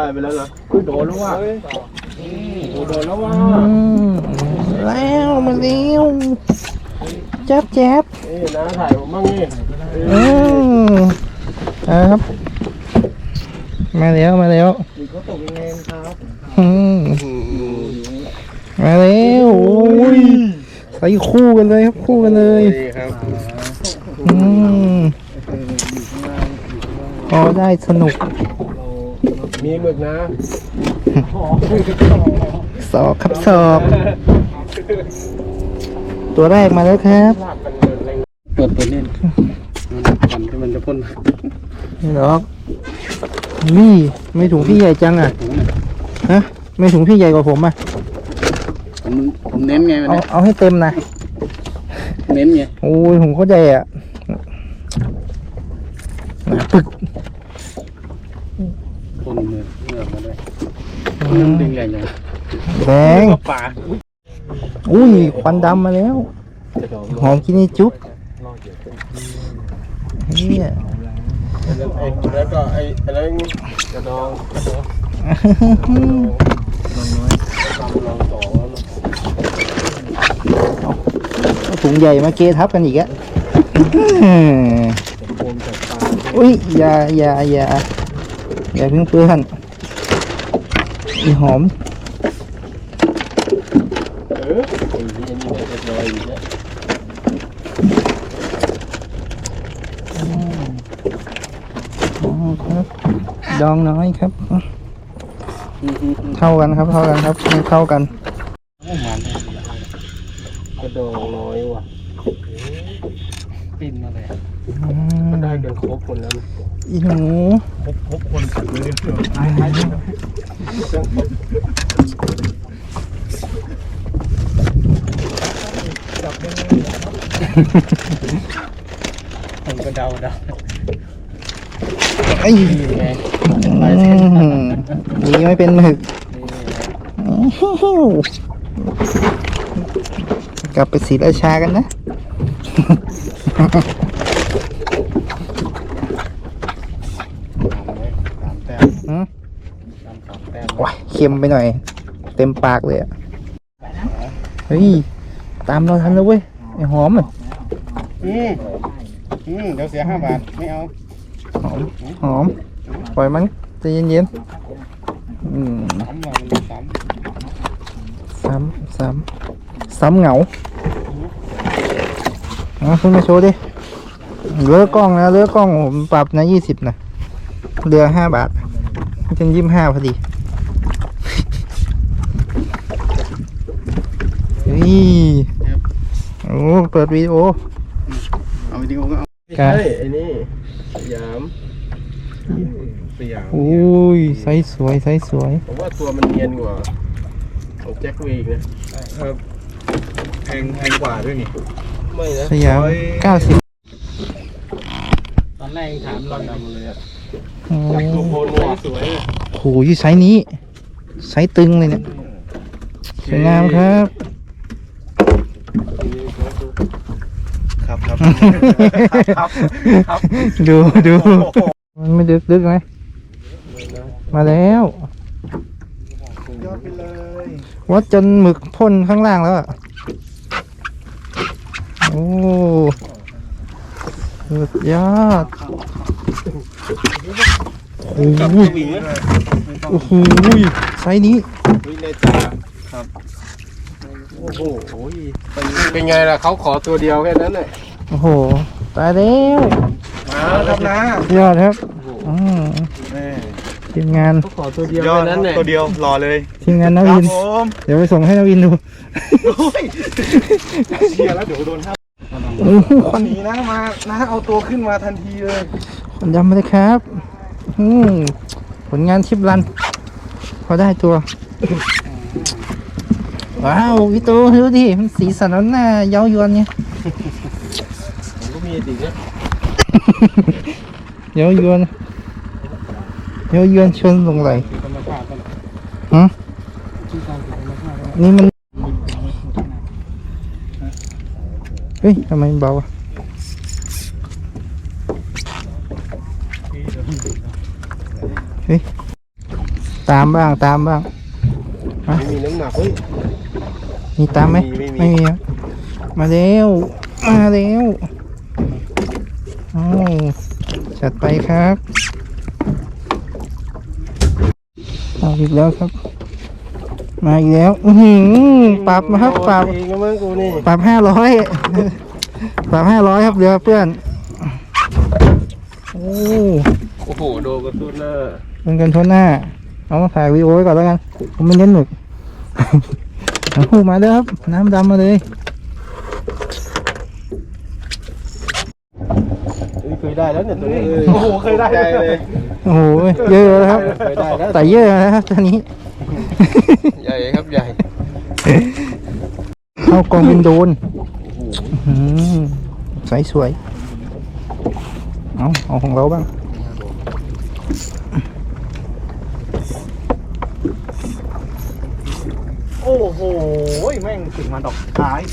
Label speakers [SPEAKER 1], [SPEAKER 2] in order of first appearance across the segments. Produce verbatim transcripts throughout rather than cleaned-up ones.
[SPEAKER 1] ไปแล้วนะโดนแล้วว่ะโดนแล้วว่ะ
[SPEAKER 2] แล้วมาเร็วแจ๊บแจ๊บ
[SPEAKER 1] นี่นะถ่ายผมบ้างนี่
[SPEAKER 2] อืมครับมาแล้วมาแล้ว
[SPEAKER 1] เขาตกยังไงครับ
[SPEAKER 2] มาแล้วโอ้ยใส่คู่กันเลยครับคู่กันเลย
[SPEAKER 1] ครับ
[SPEAKER 2] อืมพอได้สนุก
[SPEAKER 1] มีหมึกนะ
[SPEAKER 2] ศอกครับศอกตัวแรกมาแล้วครับ
[SPEAKER 1] เปิดเปิดเล่นก่อนที่มันจะพ่น
[SPEAKER 2] นี่หรอกนี่ไม่ถุงพี่ใหญ่จังอ่ะฮะไม่ถุงพี่ใหญ่กว่าผมอ่ะ
[SPEAKER 1] ผมผมเน้นไง
[SPEAKER 2] เอาเอาให้เต็มนะ
[SPEAKER 1] เน้นไง
[SPEAKER 2] โอ้ยผมเข้าใจอ่ะปึก
[SPEAKER 1] พ่นมือเมื่อมาด้วยมันดึงใหญ่ยัง
[SPEAKER 2] แดงอุ้ยควันดำมาแล้วหอมกินนี่จุ๊บเนี่ย
[SPEAKER 1] แล้วก็ไอ้อะไรกระดองกระดองลองต่อ
[SPEAKER 2] ถุงใหญ่มาเกทับกันอีกอะอุ้ยอย่าอย่าอย่าอย่าเพิ่งเปื้อนอีหอม
[SPEAKER 1] เออไอ้นี่นี่มันจะลอยอยู่เนี่ย
[SPEAKER 2] ดองน้อยครับเท่ากันครับเท่ากันครับเท่ากัน
[SPEAKER 1] กระดองน้อยว่ะปิ้นอะไรมันได้กันครบคนแล้ว
[SPEAKER 2] อีหนู
[SPEAKER 1] ครบครบคนขัดเลยจับยังไงผมก็เดาเดา
[SPEAKER 2] ไอ้นี่ไม่เป็นหมึกกลับไปศรีราชากันนะว้าเค็มไปหน่อยเต็มปากเลยอ่ะเฮ้ยตามเราทันแล้วเว้ยไอ้หอมอ่ะ
[SPEAKER 1] อืมอืมเดี๋ยวเสียห้าบาทไม่เอา
[SPEAKER 2] หอมหอมปล่อยมันใจเย็นๆอืมซ้ำซ้ำซ้ำเหงาเอาขึ้นมาโชว์ดิเลือกกล้องนะเลือกกล้องผมปรับนะยี่สิบนะเรือห้าบาทจนยี่สิบห้าพอดีนี่โอ้เปิดวิดีโอ
[SPEAKER 1] เอาวิดีโอก็เอาใช่ไอ้นี่สยามสยาม
[SPEAKER 2] โอ้ยไซส์สวยไซส์สวย
[SPEAKER 1] ผมว่าตัวมันเนียนกว่าของแจ็คเวย์นะครับแพงแพงกว่าด้วยนี่ไม่นะ
[SPEAKER 2] สยามเก้าสิบ
[SPEAKER 1] ตอนแรกถามเราดำเลยอ่ะ
[SPEAKER 2] โอ้
[SPEAKER 1] โหสวย
[SPEAKER 2] โหยี่ไซส์นี้ไซส์ตึงเลยเนี่ยสวยงามครับ
[SPEAKER 1] ครับครับครับ
[SPEAKER 2] ดูดูมันไม่ดึกดึกไหมมาแล้ว
[SPEAKER 1] ยอดไปเลย
[SPEAKER 2] วัดจนหมึกพ่นข้างล่างแล้วอ่ะโอ้สุดยอดโอ้โหโอ้โหไซส์นี้
[SPEAKER 1] ครับโอ้โหเป็นไงล่ะเขาขอตัวเดียวแค่นั้นเลย
[SPEAKER 2] โอ้โหตายแล้ว
[SPEAKER 1] มาครับนะ
[SPEAKER 2] ยอดครับอืมทีมงาน
[SPEAKER 1] เขาขอตัวเดียวแค่นั้นเลย
[SPEAKER 3] ตัวเดียวรอเลย
[SPEAKER 2] ทีมงานนวินเดี๋ยวไปส่งให้นวินดู
[SPEAKER 1] เชียร์แล้วเดี๋ยวโดนห้าคนนี้นะมานะเอาตัวขึ้นมาทันทีเลย
[SPEAKER 2] คนยำมาเลยครับอืมผลงานชิปรันพอได้ตัวว้าววิโต้ดูดิมันสีสันนั้นน่าเย้ายวนเนี่ย
[SPEAKER 1] ผมก็มีจริงเนี่ย
[SPEAKER 2] เย้ายวนเย้ายวนชนลงไหลฮะนี่มันเฮ้ยทำไมมันเบาอ่ะเฮ้ยตามบ้างตามบ้าง
[SPEAKER 1] ไม่มีน้ำหนักเฮ้ย
[SPEAKER 2] มีตามไหม
[SPEAKER 1] ไม่มี
[SPEAKER 2] ไม่มีครับมาเร็วมาเร็วโอ้จัดไปครับเอาอีกแล้วครับ มาอีกแล้วอือหือปรับมาครับปรับ
[SPEAKER 1] เองก็มึงกูนี่
[SPEAKER 2] ปรับห้าร้อยปรับห้าร้อยครับเรือเพื่อนโอ้
[SPEAKER 1] โอ้โหโดนกระตุ้นหน้า
[SPEAKER 2] เป็นกันทนหน้าเอาถ่ายวีดีโอไว้ก่อนแล้วกันผมไม่เน้นหมึก เอาหูมาเลยครับน้ำดำมาเลย
[SPEAKER 1] เคยได้แล้วเนี่ยตัวนี้โอ้โหเคยได้เลย
[SPEAKER 2] โอ้โหเยอะแล้วครับ
[SPEAKER 1] เคยได้แล้ว
[SPEAKER 2] แต่เยอะนะครับตอนนี้
[SPEAKER 1] ใหญ่ครับใหญ่
[SPEAKER 2] เข้ากองเป็นโดนอื้อหือใสสวยเอาเอาของเราบ้าง
[SPEAKER 1] โอ้โหแม่งถึงมาดอกท้าย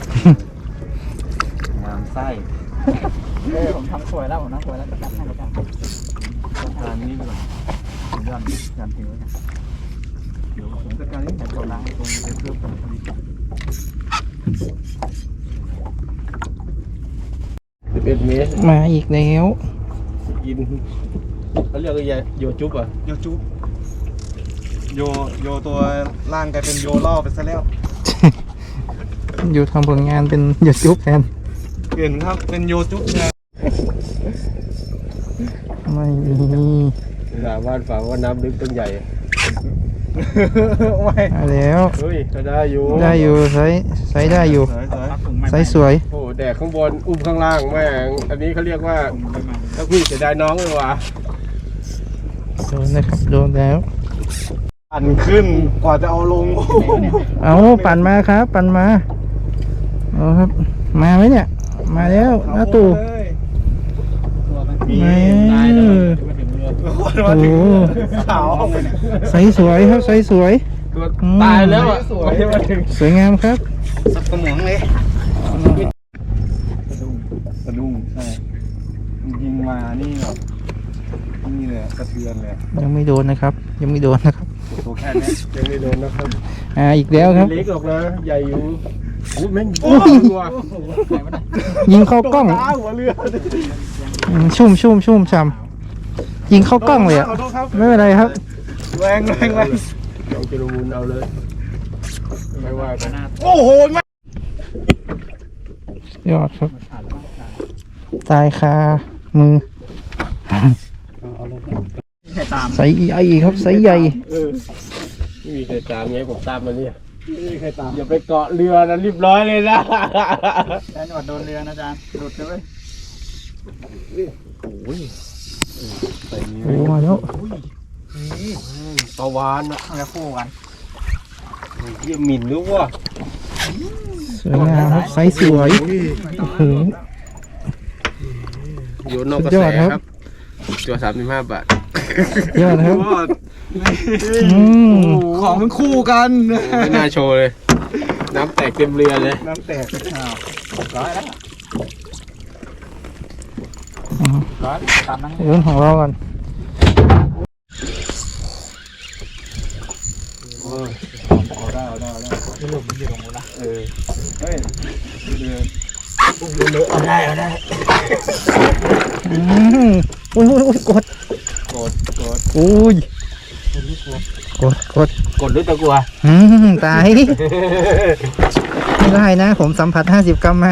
[SPEAKER 1] งามไส้
[SPEAKER 3] เออผมทำสวยแล้วผมทำสวยแล้วจะจัดให้จะจัดให้
[SPEAKER 1] การนี้ดีกว่ายันยันทิ้งไว้เดี๋ยวผมจัดการนี้แต่ตัวล้างตรงนี้เพิ่มผลผลิตสิบเอ็ดเมตร
[SPEAKER 2] มาอีกแล้ว
[SPEAKER 1] กินเขาเรียกว่าโยจุ๊บอ่ะ
[SPEAKER 4] โยจุบโยโยตัวล่างกลายเป็นโยล่อไปซะแล้ว
[SPEAKER 2] อยู่ทำผลงานเป็นหยุดยุบแทน
[SPEAKER 4] เปลี่ยนครับเป็นโยจุบแทน
[SPEAKER 2] ไม่มี
[SPEAKER 1] สามารถฝากว่าน้ำลึกต้นใหญ่
[SPEAKER 4] ไม่
[SPEAKER 2] มาแล้ว
[SPEAKER 1] เฮ้ยก็ได้อยู่
[SPEAKER 2] ได้อยู่ใช้ใช้ได้อยู่
[SPEAKER 4] สวยสวย
[SPEAKER 3] รับถุงใหม่
[SPEAKER 2] ใช้สวย
[SPEAKER 1] โอ้แดกข้างบนอุ้มข้างล่างแม่งอันนี้เขาเรียกว่าถ้าพี่เสียดายน้องเลยว่ะ
[SPEAKER 2] โดนนะครับโดนแล้ว
[SPEAKER 4] ปั่นขึ้นกว่าจะเอาลง
[SPEAKER 2] เอาปั่นมาครับ ปั่นมาเอาครับ มาไหมเนี่ย มาแล้วน้าตู่
[SPEAKER 3] ตัวมัน
[SPEAKER 4] มี
[SPEAKER 2] มา
[SPEAKER 3] ตายแล้วมาถึงเรือ
[SPEAKER 4] มาถึงขาว
[SPEAKER 2] ใสสวยครับใสสวย
[SPEAKER 1] ตัว
[SPEAKER 2] อืม
[SPEAKER 1] ตายแล้วอ่ะไม่ใช่มาถึง
[SPEAKER 2] สวยงามครับ
[SPEAKER 4] สับกระหมองเลยสะดุ้งสะดุ้งใช่ยิงมานี่แบบนี่เลยกระเทือนเลย
[SPEAKER 2] ยังไม่โดนนะครับ ยังไม่โดนนะครับ
[SPEAKER 4] ตัวแค่นี้
[SPEAKER 1] ยังไม่โดนนะครับ
[SPEAKER 2] อ่าอีกแล้วครับ
[SPEAKER 1] เล็กออกนะใหญ่อยู่โอ้แม่ง
[SPEAKER 2] โอ้ย
[SPEAKER 1] ตัว
[SPEAKER 2] ยิงเข้ากล้อง
[SPEAKER 1] ตาหัวเรือ
[SPEAKER 2] อืมชุ่มชุ่มชุ่มช่ำยิงเข้ากล้องเลยอ่ะ
[SPEAKER 4] ขอโทษครับ
[SPEAKER 2] ไม่เป็นไรครับ
[SPEAKER 4] แรงแรงแรง
[SPEAKER 1] ลองกิโลมูลเอาเลยไม่ว่ากัน
[SPEAKER 4] โอ้โหแม่
[SPEAKER 2] ยอดครับ ตายคามือ
[SPEAKER 3] ใครตาม
[SPEAKER 2] ใสใหญ่ครับใสใหญ่
[SPEAKER 1] เออไม่มีใครตามไงผมตามมาเนี่ยไม่มีใครตามอย่าไปเกาะเรือนะรีบร้อยเลยนะ
[SPEAKER 3] แอนวัดโดนเรือนะอาจารย์หลุดเลยเว้ย
[SPEAKER 1] โอ้ยใส่นี้
[SPEAKER 2] โอ้มาแล้ว
[SPEAKER 1] ปลาวานอะ
[SPEAKER 3] มันจะคู่กัน
[SPEAKER 1] เยี่ยหมิ่นหรือว่า
[SPEAKER 2] สวยงามครับใสสวยโอ้โห
[SPEAKER 1] อยู่นอกกระ
[SPEAKER 2] สุดย
[SPEAKER 1] แส
[SPEAKER 2] อดครับ
[SPEAKER 1] ครับตัวสามสิบห้าบาท
[SPEAKER 2] ยอดครับอืม
[SPEAKER 4] ของมันคู่กัน
[SPEAKER 1] ไม่น่าโชว์เลย น้ำแตกเต็มเรือเลย
[SPEAKER 4] น้ำแตก
[SPEAKER 3] ร้อยแล้วร้อยตามนั้น
[SPEAKER 2] เรื่องของเรากัน
[SPEAKER 4] เอาได้เอาได้เอาได้
[SPEAKER 3] ที่หลุมมันอยู่ตรงนู้นนะ
[SPEAKER 4] เออเฮ้ยเรือ
[SPEAKER 1] เอาได้เอาได้
[SPEAKER 2] อืมอุ้ยอุ้ยอุ้ยกด
[SPEAKER 1] กดกด
[SPEAKER 2] อุ้ยกดกด
[SPEAKER 1] กดหรือตะกัว
[SPEAKER 2] อืมตายไม่ได้นะ ผมสัมผัสห้าสิบกรัมมา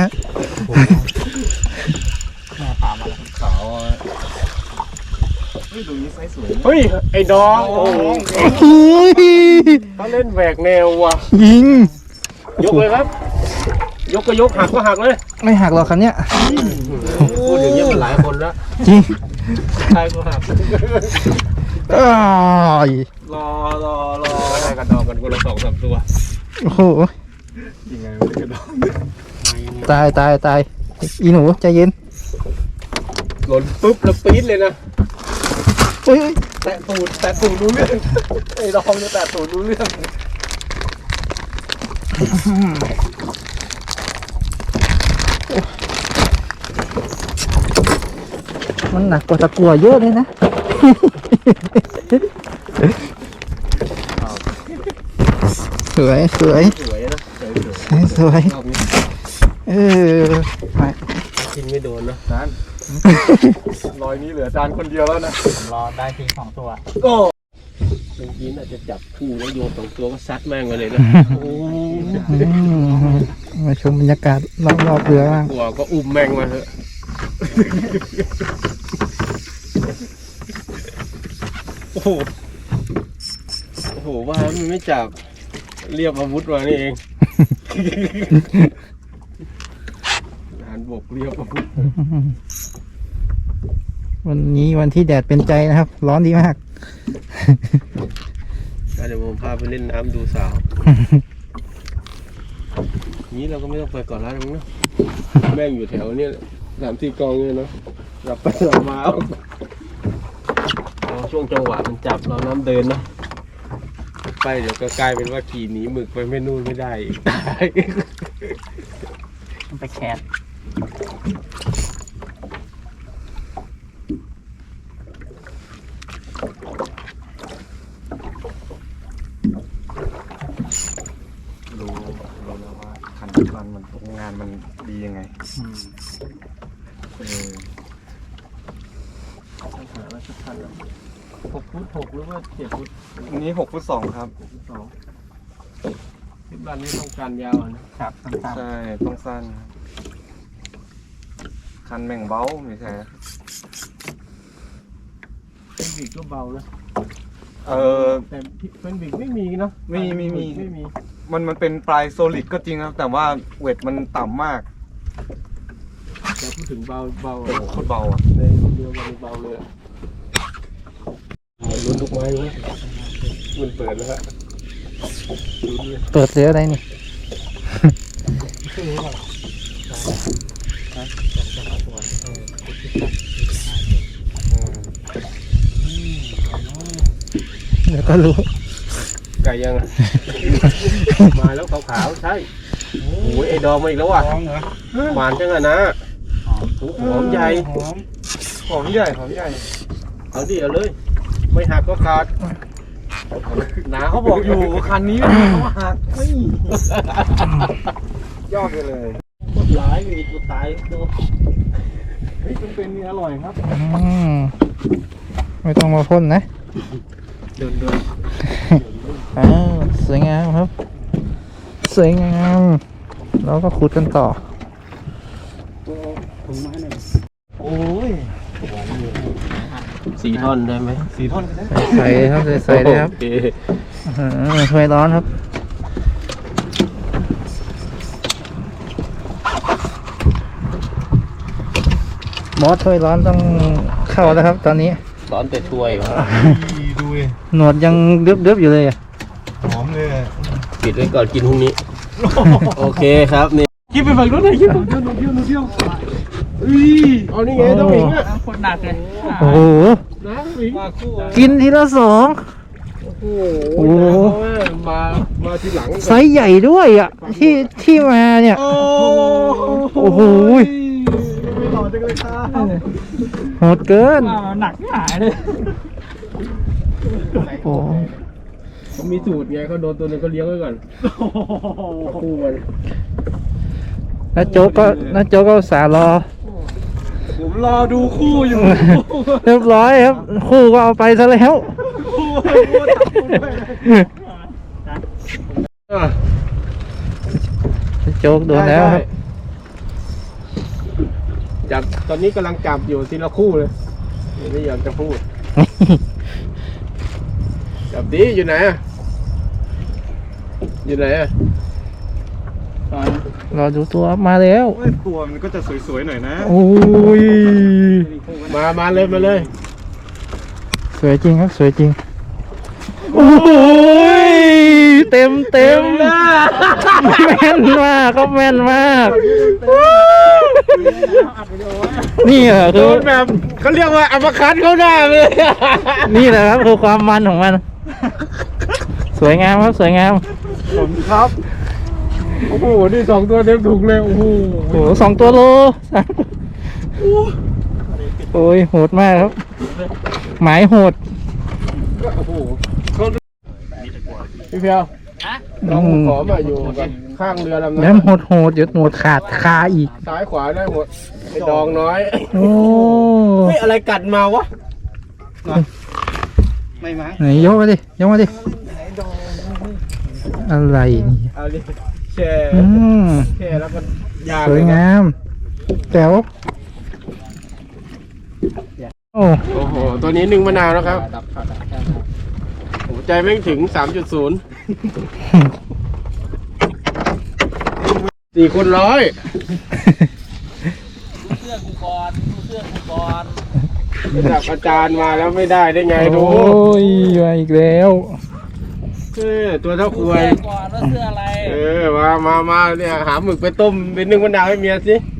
[SPEAKER 3] แม่ตามมาแล้ว
[SPEAKER 4] ขาวอ่ะเฮ้ยตรงนี้ไซส์สวยนะ
[SPEAKER 1] เฮ้ยไอ้น้องโอ้โห
[SPEAKER 2] อุ้ย
[SPEAKER 1] เขาเล่นแหวกแนวว่ะ
[SPEAKER 2] ยิง
[SPEAKER 1] ยกเลยครับ ยกก็ยกหักก็หักเลย
[SPEAKER 2] ไม่หักหรอกคันเนี้ย
[SPEAKER 1] พูดอย่างนี้ยมันหลายคนแล้ว
[SPEAKER 2] จริง
[SPEAKER 1] ใครก็หัก
[SPEAKER 2] อ้าย
[SPEAKER 1] รอรอรอได้กันดองกันคนละสองสามตัว
[SPEAKER 2] โอ้โห
[SPEAKER 4] ยังไงไม่ได้กระโดด
[SPEAKER 2] ตายตายตายอีหนูใจเย็น
[SPEAKER 1] หล่นปุ๊บแล้วปี๊ดเลยนะ
[SPEAKER 2] เฮ้ยเฮ้ย
[SPEAKER 1] แตะตูดแตะตูดรู้เรื่องไอ้ดองเนี่ยแตะตูดรู้เรื่อง
[SPEAKER 2] มันหนักกว่าตะกั่วเยอะเลยนะสวยสวย
[SPEAKER 1] สวยนะสวยสวย
[SPEAKER 2] สวย
[SPEAKER 1] รอบนี้
[SPEAKER 2] เออไป
[SPEAKER 1] กินไม่โดนนะจานรอยนี้เหลือจานคนเดียวแล้วนะ
[SPEAKER 3] ผมรอได้ทีสองตัว
[SPEAKER 1] ก็เมื่อกี้น่าจะจับคู่แล้วโยนสองตัวก็ซัดแม่งไปเลยนะโอ้
[SPEAKER 2] อืมมาชมบรรยากาศรอบๆเรือบ้าง
[SPEAKER 1] ตัวก็อุ้มแม่งมาเถอะโอ้โหโอ้โหว่ามันไม่จับเรียบอาวุธมานี่เองทหารบกเรียบอาวุธ
[SPEAKER 2] วันนี้วันที่แดดเป็นใจนะครับ ร้อนดีมาก
[SPEAKER 1] เดี๋ยวผมพาไปเล่นน้ำดูสาว นี้เราก็ไม่ต้องไปก่อนแล้วมั้งเนาะแม่งอยู่แถวเนี้ยสามสี่กองเลยเนาะหลับไปหลับมาเอาเอาช่วงจังหวะมันจับเราน้ำเดินเนาะไปเดี๋ยวก็กลายเป็นว่าขี่หนีหมึกไปไม่นู่นไม่ได้อีก
[SPEAKER 3] มันไปแคส
[SPEAKER 4] รู้รู้แล้วว่าคันมันมันงานมันดียังไงเออ
[SPEAKER 1] หาแล้วสักคันละหกฟุตหกหรือว่าเจ็ดฟุต
[SPEAKER 4] อันนี้หกฟุตสองครับ
[SPEAKER 1] สองทิศบ้านนี้ต้องการยาวอะนะครับ
[SPEAKER 3] สั้น
[SPEAKER 4] ใช่ต้องสั้นครับคันแม่งเบ้าไม่ใช่
[SPEAKER 1] เป็นบิกก็เบานะ
[SPEAKER 4] เออ
[SPEAKER 1] แต่เป็นบิกไม่มีเนาะ
[SPEAKER 4] ไม่ไม่มี
[SPEAKER 1] ไม่มี
[SPEAKER 4] มันมันเป็นปลายโซลิดก็จริงครับ แต่ว่าเวทมันต่ำมาก
[SPEAKER 1] แต่พูดถึงเบาเบา
[SPEAKER 4] เป็นโคตรเบาอ่ะ
[SPEAKER 1] ในคนเดียวมันเบาเลยอะลุ้นทุกไม้เลยมันเปิดแล้วฮะลุ้นเลย
[SPEAKER 2] เปิดเรืออะไรนี่ เดี๋ยวก็รู้
[SPEAKER 1] ไก่ยังอะ มาแล้วขาวๆใช่โอ้ยไอ้ดองมาอีกแล้วว่ะหวานจังอะนะโอ้โหหอมใหญ่
[SPEAKER 4] หอมหอมใหญ่หอมใหญ่
[SPEAKER 1] เอาดิเอาเลย ไม่หักก็ขาดหนาเขาบอกอยู่คันนี้เขาหักไม่
[SPEAKER 4] ยอดไปเลย
[SPEAKER 1] โคตรร้ายเลยตัวตายตัวเฮ้ยมันเป็นนี่อร่อยครับ
[SPEAKER 2] อืมไม่ต้องมาพ่นนะ
[SPEAKER 1] เดินเดิน
[SPEAKER 2] อ้าวสวยงามครับ สวยงามแล้วก็ขุดกันต่อ
[SPEAKER 4] โอ้ย
[SPEAKER 1] สี่ท่อนได้ไหม
[SPEAKER 4] สีท่อนก็ได้
[SPEAKER 2] ใส่ครับใส่ใส่เลยครับ
[SPEAKER 1] โอเค
[SPEAKER 2] อื้อหือถ้วยร้อนครับมอสถ้วยร้อนต้องเข้าแล้วครับ ตอนนี้
[SPEAKER 1] ร้อนแต่ถ้วยครับ
[SPEAKER 4] ดูเลย
[SPEAKER 2] หนวดยังเดือบๆอยู่เลยอ่ะ
[SPEAKER 4] หอมเลย
[SPEAKER 1] ปิดไว้ก่อนกินพรุ่งนี้ โอเคครับนี่คิดไปฝั่งนู้นหน่อยคิดฝั่งนู้นเที่ยวเที่ยวอุ้ยเอานี่ไงต้องหมิงอ่ะ
[SPEAKER 3] ๆคนหนักเลย
[SPEAKER 2] โอ้โห
[SPEAKER 1] น้ำหมิงมาคู่
[SPEAKER 2] กินทีละสอง
[SPEAKER 1] โอ้
[SPEAKER 2] โอ้
[SPEAKER 1] โห
[SPEAKER 2] โห
[SPEAKER 1] มา มาทีหลัง
[SPEAKER 2] ไซส์ใหญ่ด้วยอ่ะ ที่ที่มาเนี่ย
[SPEAKER 1] โอ้
[SPEAKER 2] โอ้โห
[SPEAKER 1] ไม่หล่อจังเลยครับ
[SPEAKER 2] โหดเกิน
[SPEAKER 3] อ้าวหนักหายเลย
[SPEAKER 2] โอ้
[SPEAKER 1] เขามีสูตรไงเขาโดนตัวนึงก็เลี้ยงไว้ก่อนคู่มัน
[SPEAKER 2] น้าโจ๊กก็น้าโจ๊กก็อุตสาห์รอ
[SPEAKER 1] ผมรอดูคู่อยู่
[SPEAKER 2] เรียบร้อยครับ คู่ก็เอาไปซะแล้ว
[SPEAKER 1] คู่คู่ตัดคู่ด้วยอ่ะ
[SPEAKER 2] โจ๊กโดนแล้วครับ
[SPEAKER 1] จับตอนนี้กำลังจับอยู่ทีละคู่เลยไม่อยากจะพูด จับดีอยู่ไหนอ่ะอยู่ไหนอ่ะ
[SPEAKER 2] รอดูตัวมาแล้ว
[SPEAKER 4] โอ้ยตัวมันก็จะสวยๆหน่อยนะ
[SPEAKER 2] โอ้ย
[SPEAKER 1] มามาเลยมาเลย
[SPEAKER 2] สวยจริงครับ สวยจริง โอ้ยเต็มเต็มแม่นมากก็แม่นมาก นี่เหรอ
[SPEAKER 1] โด
[SPEAKER 2] คือน
[SPEAKER 1] แบบเขาเรียกว่าอัมคัตเขาหน้าเลย
[SPEAKER 2] นี่แหละครับคือความมันของมัน สวยงามครับ สวยงาม
[SPEAKER 1] ผมครับโอ้โหนี่สองตัวเต็มถุงเลยโอ้โห
[SPEAKER 2] โอ้โหสองตัวโลสามโอ้ยโหดมากครับ หมายโหด
[SPEAKER 1] โอ้โหเขาพี่เพียวลองขอมาอยู่กับข้างเรือลำ
[SPEAKER 2] แล้
[SPEAKER 1] นั้
[SPEAKER 2] วน โหดโหดๆเดี๋ยวหนวดขาดคาอีก
[SPEAKER 1] ซ้ายขวาได้หมดไอ้ดองน้อย
[SPEAKER 2] โอ้
[SPEAKER 1] เฮ้ยอะไรกัดมาวะ
[SPEAKER 3] ไม่มั้ง
[SPEAKER 2] ไหนยกมาดิยกมาดิอะไรนี่
[SPEAKER 1] เอาดิแช่
[SPEAKER 2] อืม
[SPEAKER 1] แช่แล้วก็ย่าง
[SPEAKER 2] สวยงามแจ๋วโอ้
[SPEAKER 1] โอ้โหตัวนี้หนึ่งมะนาวนะครับหัวใจไม่ถึง สามจุดศูนย์ สี่คนร้อย
[SPEAKER 3] เสื้อกูก่อนเสื้อกูก่อน
[SPEAKER 1] ระดับอาจารย์มาแล้วไม่ได้ได้ไงดู
[SPEAKER 2] โอ้ยมาอีกแล้ว
[SPEAKER 1] เออตัวเท่าควย
[SPEAKER 3] ก่อนว่าเสื้ออะไร
[SPEAKER 1] เออมามามาเนี่ยหาหมึกไปต้มเป็นนึ่งมะนาวให้เมียสิ